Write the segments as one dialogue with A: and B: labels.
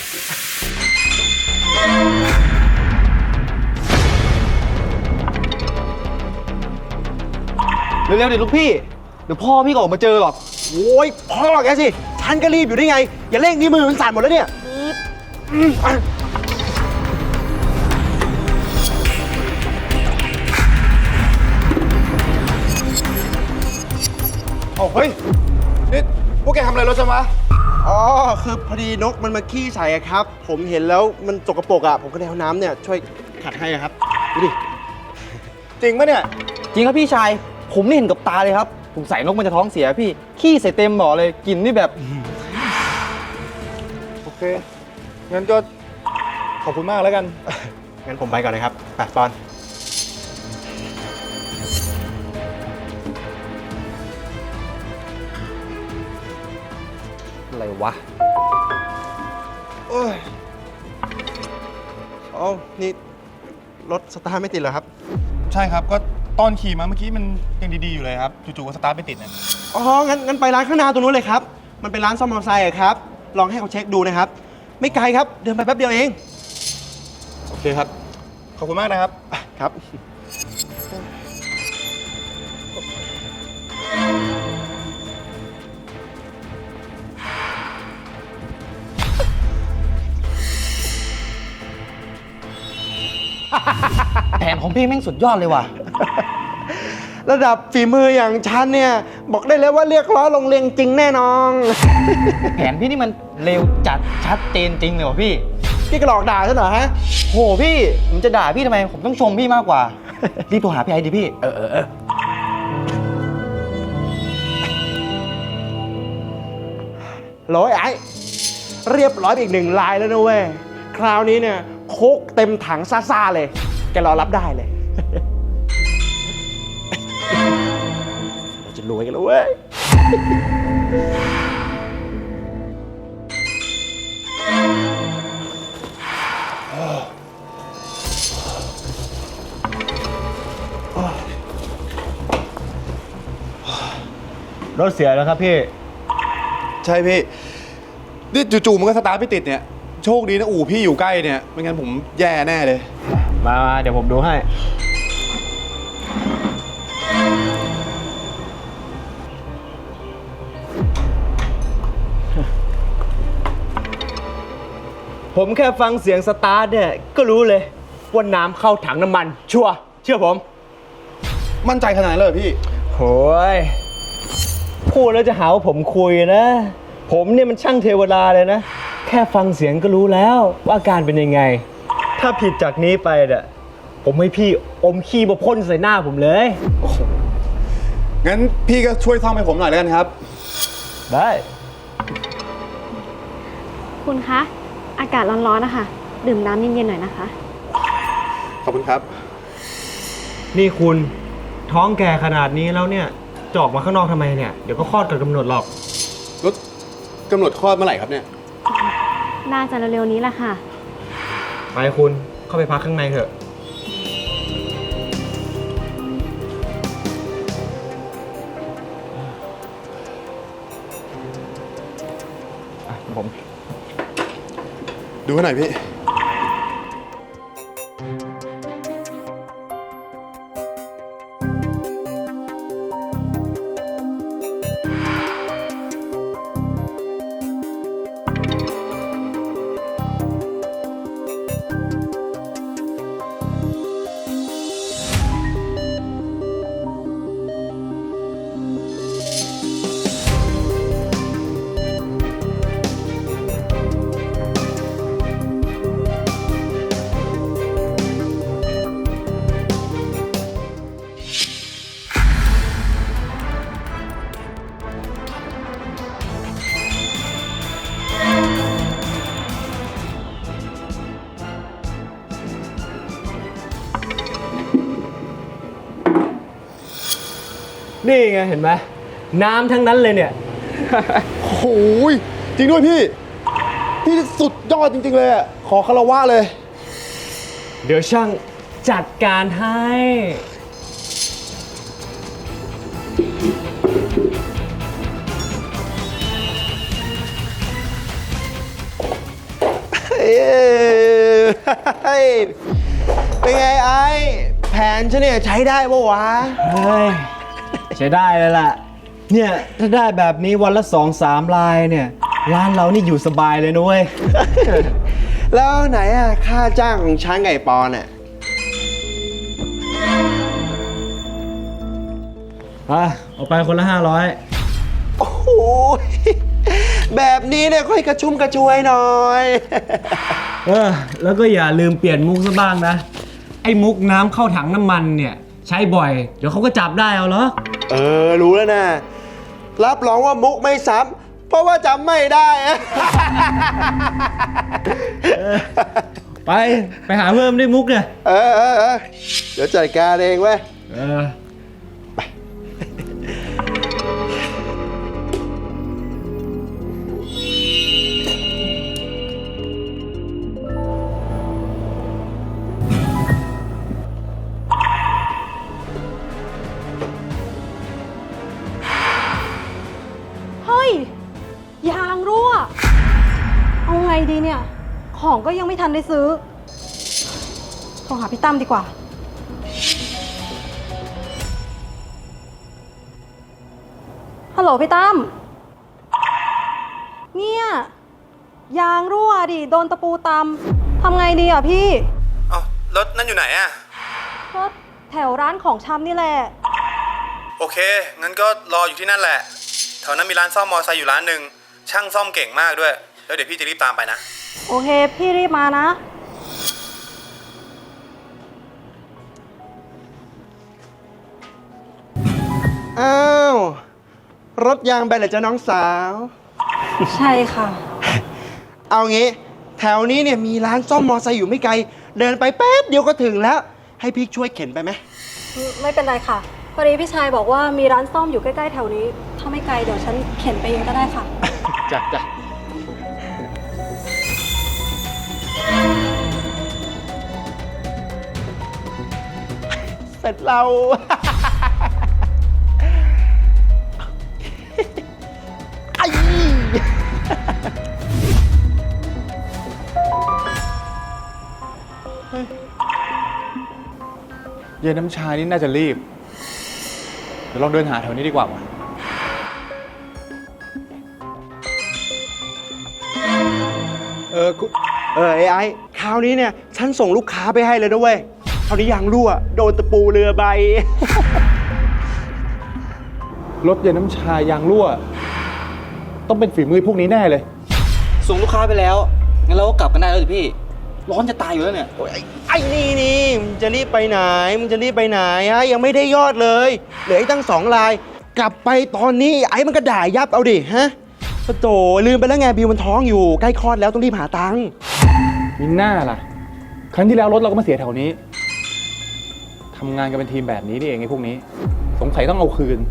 A: เร็วๆดิลูกพี่เดี๋ยวพ่อพี่ก็ออกมาเจอหรอก
B: โอ้ยพ่อแกสิฉันก็รีบอยู่ได้ไงอย่าเร่งนี่มือมันสั่นหมดแล้วเนี่ย
C: เฮ้ยนี่พวกแกทำอะไรรถฉันวะ
B: อ๋อคือพอดีนกมันมาขี้ใส่อะครับผมเห็นแล้วมันสกปรกอะผมก็เลยเอาน้ำเนี่ยช่วยขัดให้ครับดูดิ
C: จริงปะเนี่ย
A: จริงครับพี่ชายผมนี่เห็นกับตาเลยครับผมใส่นกมันจะท้องเสียพี่ขี้ใส่เต็มบ่อเลยกลิ่นนี่แบบ
C: โอเค งั้นก็ขอบคุณมากแล้วกัน
B: งั้นผมไปก่อนนะครับไปปอน
A: อะไรวะ
B: โอ้ยอ๋อนี่รถสตาร์ทไม่ติดเหรอครับ
C: ใช่ครับ ก็ตอนขี่มาเมื่อกี้มันยังดีๆอยู่เลยครับ จู่ๆก็สตาร์ทไม่ติดเนี่ย
B: อ๋องั้นไปร้านข้างหน้าตรงนู้นเลยครับมันเป็นร้านซ่อมมอเตอร์ไซค์อะครับลองให้เขาเช็คดูนะครับไม่ไกลครับเดินไปแป๊บเดียวเอง
C: โอเคครับ ขอบคุณมากนะครับ
B: ครับ
A: แผนของพี่แม่งสุดยอดเลยว่ะ
B: ระดับฝีมืออย่างฉันเนี่ยบอกได้เลยว่าเรียกล้อลงเรียงจริงแน่นอน
A: แผนพี่นี่มันเร็วจัดชัดเจนจริงเลยว่ะพี่
B: พี่ก็หลอกด่าฉันเหรอฮะ
A: โหพี่ผมจะด่าพี่ทำไมผมต้องชมพี่มากกว่า รีบโทรหาพี่ไอ้ดิพี่
B: ร้อยไอ้เรียบร้อยไปอีก1 ลายแล้วนะเว้ยคราวนี้เนี่ยโคกเต็มถังซ่าๆเลยแกรอรับได้เลย เราจะรวยกันแล้วเว้ย
A: รถเสียแล้วครับพี่
C: ใช่พี่ นี่จู่ๆมันก็สตาร์ทไม่ติดเนี่ย โชคดีนะอู่พี่อยู่ใกล้เนี่ย ไม่งั้นผมแย่แน่เลย
A: มาเดี๋ยวผมดูให้ ผมแค่ฟังเสียงสตาร์ทเนี่ยก็รู้เลยว่าน้ำเข้าถังน้ำมัน ชัวร์เชื่อผม
C: มั่นใจขนาดนั้นเลยเหรอพี่
A: โหยพูดแล้วจะหาว่าผมคุยนะ ผมเนี่ยมันช่างเทวดาเลยนะ แค่ฟังเสียงก็รู้แล้วว่าอาการเป็นยังไง ถ้าผิดจากนี้ไปเนี่ยผมให้พี่อมขี้มาพ่นใส่หน้าผมเลย
C: งั้นพี่ก็ช่วยซ่อมให้ผมหน่อยแล้วกันครับ
A: ได้
D: คุณคะ อากาศร้อนๆนะคะ ดื่มน้ำเย็นๆหน่อยนะคะ
C: ขอบคุณครับ
A: นี่คุณท้องแก่ขนาดนี้แล้วเนี่ยจะออกมาข้างนอกทำไมเนี่ย เดี๋ยวก็คลอดก่อนกำหนดหรอก
C: รถกำหนดคลอดเมื่อไหร่ครับเนี่ย
D: น่าจะเร็วๆนี้แหละค่ะ
A: ไปคุณเข้าไปพักข้างในเถอะผม
C: ดูให้หน่อยพี่
A: นี่ไงเห็นไหมน้ำทั้งนั้นเลยเนี่ย
C: โอ้โหยจริงด้วยพี่ พี่สุดยอดจริงๆเลยอ่ะ ขอคารวะเลย
A: เดี๋ยวช่างจัดการให้
B: เป็นไงไอ้แผนฉันเนี่ยใช้ได้ปะวะ
A: เฮ้ย ใช้ได้เลยล่ะ เนี่ยถ้าได้แบบนี้วันละ2-3 ลายเนี่ย ร้านเรานี่อยู่สบายเลยนุ้ย
B: แล้วไหนอะค่าจ้างของช้างไก่ปอนอะ
A: เอาไปคนละ500
B: โอ้โหแบบนี้เนี่ยค่อยกระชุ่มกระชวยหน่อย
A: แล้วก็อย่าลืมเปลี่ยนมุกซะบ้างนะ ไอ้มุกน้ำเข้าถังน้ำมันเนี่ย ใช้บ่อย เดี๋ยวเขาก็จับได้เอาเหรอ
B: รู้แล้วนะ รับรองว่ามุกไม่ซ้ำเพราะว่าจำไม่ได้
A: ไปหาเพิ่มด้วยมุกเนี่ย
B: เดี๋ยวจัดการเองเว้ย
E: เฮ้ย ยางรั่ว เอาไงดีเนี่ย ของก็ยังไม่ทันได้ซื้อ โทรหาพี่ตั้มดีกว่า ฮัลโหลพี่ตั้ม เนี่ย ยางรั่วดิ โดนตะปูตำ ทำไงดีอ่ะพี่
C: รถนั่นอยู่ไหนอะ
E: ก็แถวร้านของชำนี่แหละ
C: โอเค งั้นก็รออยู่ที่นั่นแหละ แถวนั้นมีร้านซ่อมมอเตอร์ไซค์อยู่ร้านหนึ่ง ช่างซ่อมเก่งมากด้วย แล้วเดี๋ยวพี่จะรีบตามไปนะ
E: โอเค พี่รีบมานะ
B: อ้าว รถยางแบนเหรอจ๊ะน้องสาว
E: ใช่ค่ะ
B: เอางี้ แถวนี้เนี่ยมีร้านซ่อมมอไซค์อยู่ไม่ไกล เดินไปแป๊บเดียวก็ถึงแล้ว ให้พี่ช่วยเข็นไปไหม
E: ไม่เป็นไรค่ะ พอดีพี่ชายบอกว่ามีร้านซ่อมอยู่ใกล้ๆแถวนี้ ถ้าไม่ไกลเดี๋ยวฉันเข็นไปเองก็ได้ค่ะ
B: จ้ะเสร็จเรา ไอ้
C: เย็นน้ำชานี่น่าจะรีบ เดี๋ยวลองเดินหาแถวนี้ดีกว่าวะ
B: ไอ้คราวนี้เนี่ยฉันส่งลูกค้าไปให้เลยนะเว้ยคราวนี้ยางรั่ว โดนตะปูเรือใบ
C: รถเย็นน้ำชายางรั่ว ต้องเป็นฝีมือพวกนี้แน่เลย
F: ส่งลูกค้าไปแล้ว งั้นเราก็กลับกันได้แล้วสิพี่ ร้อนจะตายอยู่แล้วเนี่ย
B: ไอ้นี่มึงจะรีบไปไหนฮะยังไม่ได้ยอดเลยเหลืออีกตั้ง2 ลาย กลับไปตอนนี้ไอ้มันก็ด่ายับเอาดิฮะปะโถลืมไปแล้วไงบิวมันท้องอยู่ใกล้คลอดแล้วต้องรีบหาตังค์
C: มีหน้าล่ะ ครั้งที่แล้วรถเราก็มาเสียแถวนี้ ทำงานกันเป็นทีมแบบนี้นี่เองไอ้พวกนี้ สงสัยต้องเอาคืน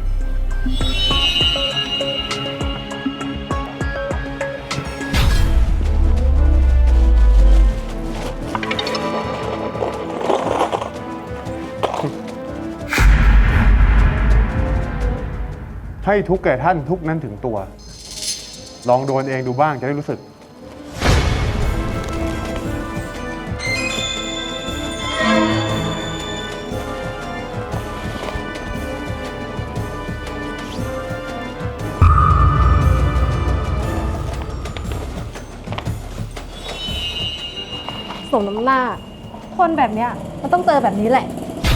G: ให้ทุกข์แก่ท่านทุกข์นั้นถึงตัว ลองโดนเองดูบ้างจะได้รู้สึก
E: สมน้ำหน้า คนแบบเนี้ยมันต้องเจอแบบนี้แหละ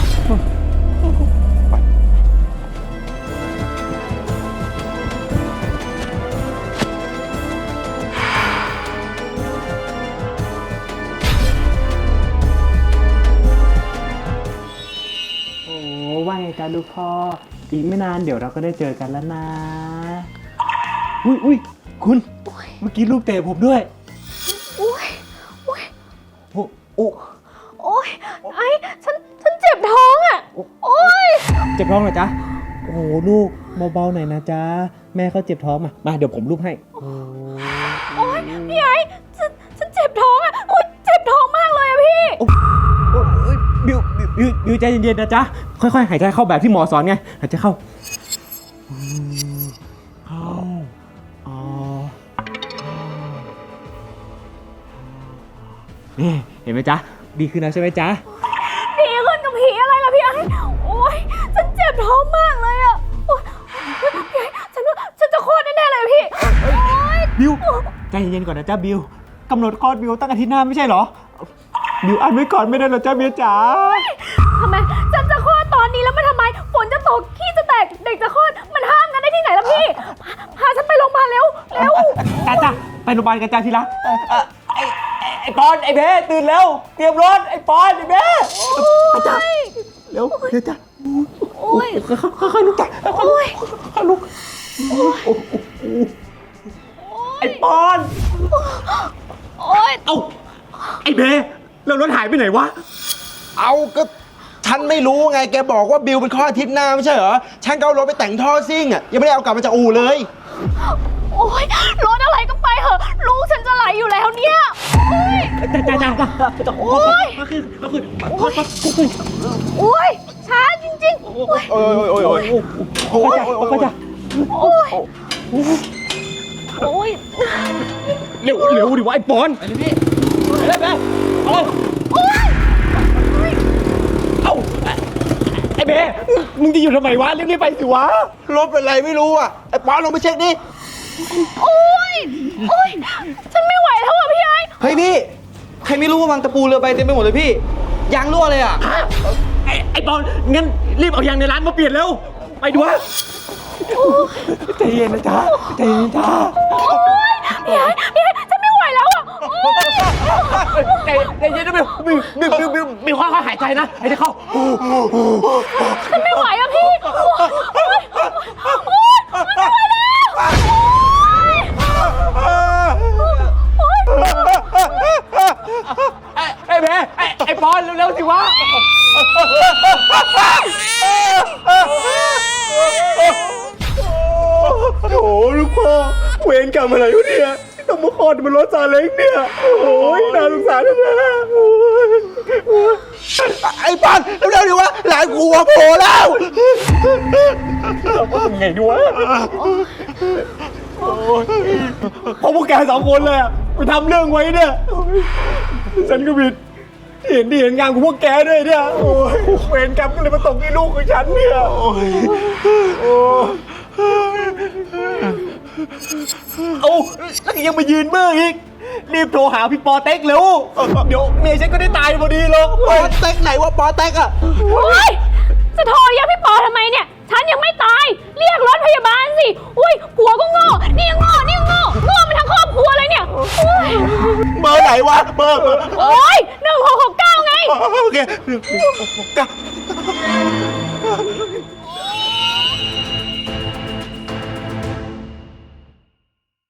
A: โอ้ว่าไงจ๊ะลูกพ่อ อีกไม่นานเดี๋ยวเราก็ได้เจอกันแล้วนะ อุ้ยคุณ เมื่อกี้ลูกเตะผมด้วย
E: อุ้ย
A: โอ้โอ้
E: โอ้ยไอ้ฉันเจ็บท้องอ่ะ โอ้ย
A: เจ็บท้องเหรอจ๊ะ โอ้โหลูกเบาๆหน่อยนะจ๊ะ แม่เขาเจ็บท้องมาเดี๋ยวผมลูบให้
E: โอ้ยพี่ไอ้ฉันเจ็บท้องอ่ะ โอ้ยเจ็บท้องมากเลยอ่ะพี่
A: บิวใจเย็นๆนะจ๊ะ ค่อยๆหายใจเข้าแบบที่หมอสอนไง หายใจเข้าอนี่เห็นไหมจ๊ะ ดีขึ้นแล้วใช่ไหมจ๊ะ
D: ดีขึ้นกับผีอะไรล่ะพี่ไอ้โอ๊ย ฉันเจ็บท้องมากเลยอะโอ๊ยพี่ไอ้ฉันว่าฉันจะคลอดแน่ๆเลยพี่ โอ๊ย
A: บิวใจเย็นๆก่อนนะจ๊ะบิวกำหนดคลอดบิวตั้งอาทิตย์หน้าไม่ใช่เหรอ บิวอันไว้ก่อนไม่ได้เหรอจ๊ะเมียจ๋า
D: ทำไมฉันจะคลอดตอนนี้แล้วมันทำไม ฝนจะตก ขี้จะแตก เด็กจะคลอด มันห้ามกันได้ที่ไหนล่ะพี่ พาฉันไปโรงพยาบาลเร็ว เร็ว
A: จ้าไปโรงพยาบาลกันจ้าทีละไอ้ปอนไอ้เบ้ตื่นแล้วเตรียมรถไอ้ปอนไอ้เบ้จ้าเร็วเร็วจ้า
D: โอ๊ย
A: ค่อยๆลุกจ้าค่อยๆลุกไอ้ปอน
D: โอ๊ย
A: เอ้าไอ้เบ้แล้วรถหายไปไหนวะ
B: เอาก็ฉันไม่รู้ไง แกบอกว่าบิวเป็นข้ออาทิตย์หน้าไม่ใช่เหรอ ฉันก็เอารถไปแต่งท่อซิ่งอ่ะ ยังไม่ได้เอากลับมาจากอู่เลย
D: โอ๊ย รถอะไรก็ไปเหอะ ลูกฉันจะไหลอยู่แล้วเนี่ย โอ๊ย โอ๊ย โอ๊ย ช้าจริงๆ โอ๊ย
B: โอ้ยโอ้ยโอ้ยโอ้ย
A: โอ้ยจ้า
D: โอ๊ย โอ๊ย
A: เร็วดิวะไอ้ปอนไปเลยพี่ไปเลยเอ้าไอ้เบ้มึงจะอยู่ทำไมวะรีบๆไปสิวะ
B: รถเป็นไรไม่รู้อ่ะ ไอ้ปอนลงไปเช็คดิ
D: โอ๊ย โอ๊ย ฉันไม่ไหวแล้วอ่ะพี่ไอ้
F: เฮ้ยพี่ ใครไม่รู้ว่าวางตะปูเรือใบเต็มไปหมดเลยพี่ ยางรั่วเลยอ่ะ
A: ไอ้ปอนงั้นรีบเอายางในร้านมาเปลี่ยนเร็วไปดูวะใจเย็นนะจ๊ะใจเย็นจ้า
D: พี่ไอ้ฉันไม่ไหวแล้วอ่ะ โอ๊ย
A: ใจเย็นนะบิวค่อยๆหายใจนะหายใจเข้า
D: ฉันไม่ไหวอ่ะพี่ โอ๊ย โอ๊ยไม่ไหวแล้ว โอ๊ย
A: ไอ้เบ้ไอ้ปอนเร็วๆสิวะโอ้ลูกพ่อเวรกรรมอะไรวะเนี่ยต้องมาคลอดบนรถซาเล้งเนี่ยโอ้ยน่าสงสารแท้ๆ
B: ไอ้ปอนเร็วๆดิวะ หลานกูโผล่แล้ว
A: ไงดีวะเพราะพวกแกสองคนเลยอะไปทำเรื่องไว้เนี่ย ฉันก็ผิดที่เห็นงานของพวกแกด้วยเนี่ย โอ้ยเวรกรรมก็เลยมาตกที่ลูกของฉันเนี่ยโอ้ยเอาแล้วยังมายืนเมื่ออีก รีบโทรหาพี่ปอเต็กเร็ว เดี๋ยวเมียฉันก็ได้ตายพอดีหรอก
B: ปอเต็กไหนวะปอเต็กอ่ะ
D: โอ๊ย จะโทรเรียกพี่ปอทำไมเนี่ย ฉันยังไม่ตาย เรียกรถพยาบาลสิ อุ้ยผัวก็โง่ นี่ก็โง่ นี่ก็โง่ โง่มันทั้งครอบครัวเลยเนี่ยโอ๊ย
B: เบอร์ไหนวะ เบอร์
D: โอ๊ย1669ไง
B: โอเค